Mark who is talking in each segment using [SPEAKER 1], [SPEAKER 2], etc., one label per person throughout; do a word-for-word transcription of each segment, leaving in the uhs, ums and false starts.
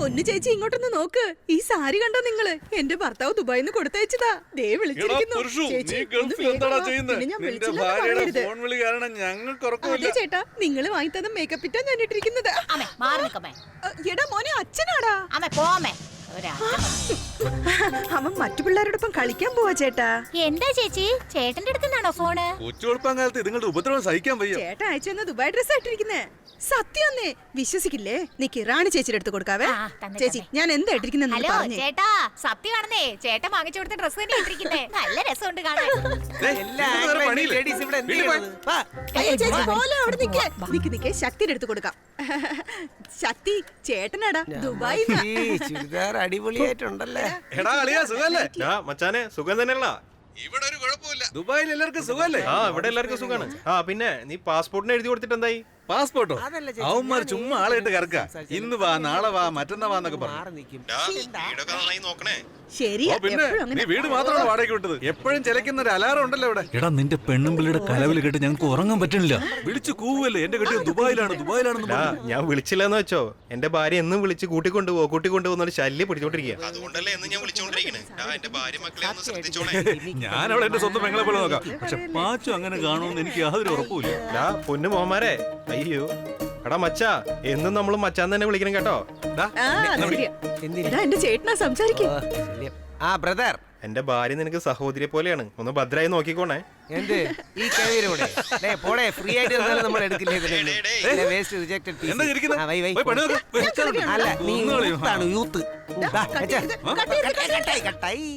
[SPEAKER 1] പൊന്നു ചേച്ചി ഇങ്ങോട്ടൊന്ന് നോക്ക്. ഈ സാരി കണ്ടോ നിങ്ങള്? എന്റെ ഭർത്താവ് ദുബായിന്ന് കൊടുത്തയച്ചതാ. ദേ വിളിച്ചിരിക്കുന്നു. ചേട്ടാ നിങ്ങള് വാങ്ങിത്തന്ന മേക്കപ്പ് ഇട്ടാ ഞാൻ ഇട്ടിരിക്കുന്നത്. എടാ മോനെ അച്ഛനാടാ. അവൻ മറ്റു പിള്ളേരോടൊപ്പം കളിക്കാൻ പോവാ ചേട്ടാ.
[SPEAKER 2] എന്താ ചേച്ചി ചേട്ടന്റെ അടുത്തുനിന്നാണോ ഫോണ്?
[SPEAKER 3] കൊച്ചുകൊടുപ്പാങ്കാലത്ത് ഇതുങ്ങളുടെ ഉപദ്രവം സഹിക്കാൻ വയ്യ.
[SPEAKER 1] ചേട്ടൻ അയച്ചു തന്ന ദുബായ് ഡ്രസ് ആയിട്ടിരിക്കുന്നേ. സത്യമൊന്നേ വിശ്വസിക്കില്ലേ? നീക്ക് റാണി ചേച്ചിയുടെ അടുത്ത് കൊടുക്കാവേ. ചേച്ചി ഞാൻ എന്താ ഇട്ടിരിക്കുന്നെന്ന്
[SPEAKER 2] ഹലോ
[SPEAKER 1] പറഞ്ഞേ.
[SPEAKER 2] ചേട്ടാ സത്യമാണെന്നേ, ചേട്ടൻ വാങ്ങിച്ചു കൊടുത്ത ഡ്രസ് തന്നെ ഇട്ടിരിക്കുന്നേ. നല്ല രസമുണ്ട് കാണാൻ.
[SPEAKER 1] ചേച്ചി പോലെ അവിടെ നിക്ക് നിക്ക് നിക്ക് ശക്തിയുടെ അടുത്ത് കൊടുക്കാം. ശക്തി ചേട്ടനാടാ ദുബായ്.
[SPEAKER 4] ചുരിദാർ അടിപൊളിയായിട്ടുണ്ടല്ലേ?
[SPEAKER 3] എടാ അളിയാ സുഖല്ലേ?
[SPEAKER 5] മച്ചാനെ സുഖം തന്നെയല്ല.
[SPEAKER 3] ഇവിടെ ഒരു കുഴപ്പമില്ല. ദുബായിൽ എല്ലാവർക്കും സുഖല്ലേ?
[SPEAKER 5] ആ ഇവിടെ എല്ലാവർക്കും സുഖാണ്. ആ പിന്നെ നീ പാസ്പോർട്ടിന് എഴുതി കൊടുത്തിട്ട് എന്തായി?
[SPEAKER 3] പാസ്പോർട്ടോ? അവന്മാർ ചുമ്മാ ആളായിട്ട് കറക്ക. ഇന്ന് വാ നാളെ വാ മറ്റന്നാ വാന്നൊക്കെ പറഞ്ഞു.
[SPEAKER 1] ശരിയാ
[SPEAKER 3] പിന്നെ നീ വീട് മാത്രമാണ് വാടകയ്ക്ക് വിട്ടത്. എപ്പോഴും ചിലക്കുന്ന ഒരു അലാറം ഉണ്ടല്ലോ ഇവിടെ.
[SPEAKER 6] എടാ നിന്റെ പെണ്ണും പിള്ളിയുടെ കലവിൽ കേട്ട് ഞങ്ങൾക്ക് ഉറങ്ങാൻ പറ്റണില്ല.
[SPEAKER 3] വിളിച്ചു കൂവല്ലേ എന്റെ കെട്ടിയ ദുബായിലാണ് ദുബായിലാണെന്ന്.
[SPEAKER 5] ഞാൻ വിളിച്ചില്ലെന്ന് വെച്ചോ, എന്റെ ഭാര്യ എന്നും വിളിച്ച് കൂട്ടിക്കൊണ്ടുപോ കൂട്ടിക്കൊണ്ടുപോകുന്ന ശല്യം പിടിച്ചോണ്ടിരിക്കുക. അതുകൊണ്ടല്ലേ എന്നും ഞാൻ വിളിച്ചോണ്ടിരിക്കണേ. എന്റെ ഭാര്യ മക്കളെ ഒന്ന് ശ്രദ്ധിച്ചോണേ.
[SPEAKER 3] ഞാൻ അവിടെ എന്റെ സ്വന്തം പെങ്ങളെ പോലെ നോക്കാം. പക്ഷെ പാച്ചു അങ്ങനെ കാണുമെന്ന് എനിക്ക് യാതൊരു ഉറപ്പുമില്ല.
[SPEAKER 5] പൊന്നു മോമാരെ അയ്യോ. എടാ മച്ചാ എന്നും നമ്മള് മച്ചാൻ തന്നെ വിളിക്കണം കേട്ടോ.
[SPEAKER 1] എന്റെ ചേട്ടനാ സംസാരിക്കും.
[SPEAKER 4] ആ ബ്രദർ,
[SPEAKER 5] എന്റെ ഭാര്യ നിനക്ക് സഹോദരിയെ പോലെയാണ്. ഒന്ന് ഭദ്രായി നോക്കിക്കോണേ.
[SPEAKER 4] എന്ത് ഈ കവിയൂടെ പോടെ ഫ്രീ ആയിട്ട് നമ്മൾ എടുക്കില്ലേ? Waste rejected piece. അല്ല നീ യൂത്താണ് യൂത്ത്. കട്ടായി.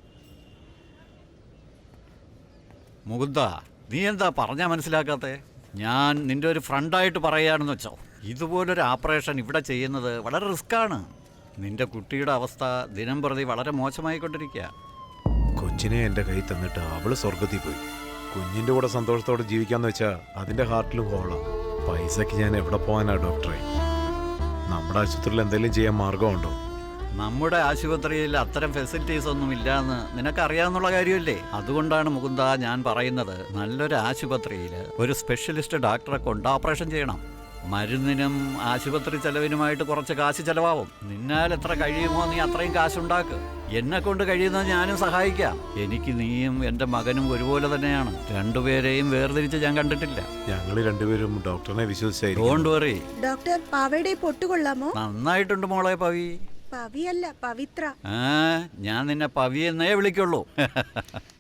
[SPEAKER 6] മുകുന്ദ നീ എന്താ പറഞ്ഞാ മനസ്സിലാക്കാത്തെ? ഞാൻ നിന്റെ ഒരു ഫ്രണ്ടായിട്ട് പറയാണെന്ന് വെച്ചോ. ഇതുപോലൊരു ഓപ്പറേഷൻ ഇവിടെ ചെയ്യുന്നത് വളരെ റിസ്ക്കാണ്. നിന്റെ കുട്ടിയുടെ അവസ്ഥ ദിനം പ്രതി വളരെ മോശമായിക്കൊണ്ടിരിക്കുക.
[SPEAKER 7] കൊച്ചിനെ എൻ്റെ കൈ തന്നിട്ട് അവള് സ്വർഗത്തിൽ പോയി. കുഞ്ഞിൻ്റെ കൂടെ സന്തോഷത്തോടെ ജീവിക്കാന്ന് വെച്ചാൽ അതിൻ്റെ ഹാർട്ടിലും ഹോളാണ്. പൈസക്ക് ഞാൻ എവിടെ പോകാനാ ഡോക്ടറെ? നമ്മുടെ ആശുപത്രിയിൽ എന്തെങ്കിലും ചെയ്യാൻ മാർഗമുണ്ടോ?
[SPEAKER 6] നമ്മുടെ ആശുപത്രിയിൽ അത്തരം ഫെസിലിറ്റീസ് ഒന്നും ഇല്ലാന്ന് നിനക്കറിയാവുന്ന കാര്യമല്ലേ? അതുകൊണ്ടാണ് മുകുന്ദ ഞാൻ പറയുന്നത്, നല്ലൊരു ആശുപത്രിയിൽ ഒരു സ്പെഷ്യലിസ്റ്റ് ഡോക്ടറെ കൊണ്ട് ഓപ്പറേഷൻ ചെയ്യണം. മരുന്നിനും ആശുപത്രി ചെലവിനുമായിട്ട് കുറച്ച് കാശ് ചെലവാകും. നിന്നാൽ എത്ര കഴിയുമോ നീ അത്രയും കാശുണ്ടാക്ക്. എന്നെ കൊണ്ട് കഴിയുന്നത് ഞാനും സഹായിക്കാം. എനിക്ക് നീയും എൻ്റെ മകനും ഒരുപോലെ തന്നെയാണ്. രണ്ടുപേരെയും വേർതിരിച്ച് ഞാൻ കണ്ടിട്ടില്ല.
[SPEAKER 7] ഞങ്ങൾ രണ്ടുപേരും ഡോക്ടറിനെ വിശ്വസിച്ചായിരിക്കും.
[SPEAKER 6] Don't worry.
[SPEAKER 1] ഡോക്ടർ പാവയുടെ പൊട്ടുകൊള്ളാമോ?
[SPEAKER 6] നന്നായിട്ടുണ്ട് മോളെ പവി.
[SPEAKER 1] പവിയല്ല പവിത്ര.
[SPEAKER 6] ആ ഞാൻ നിന്നെ പവി എന്നേ വിളിക്കുള്ളൂ.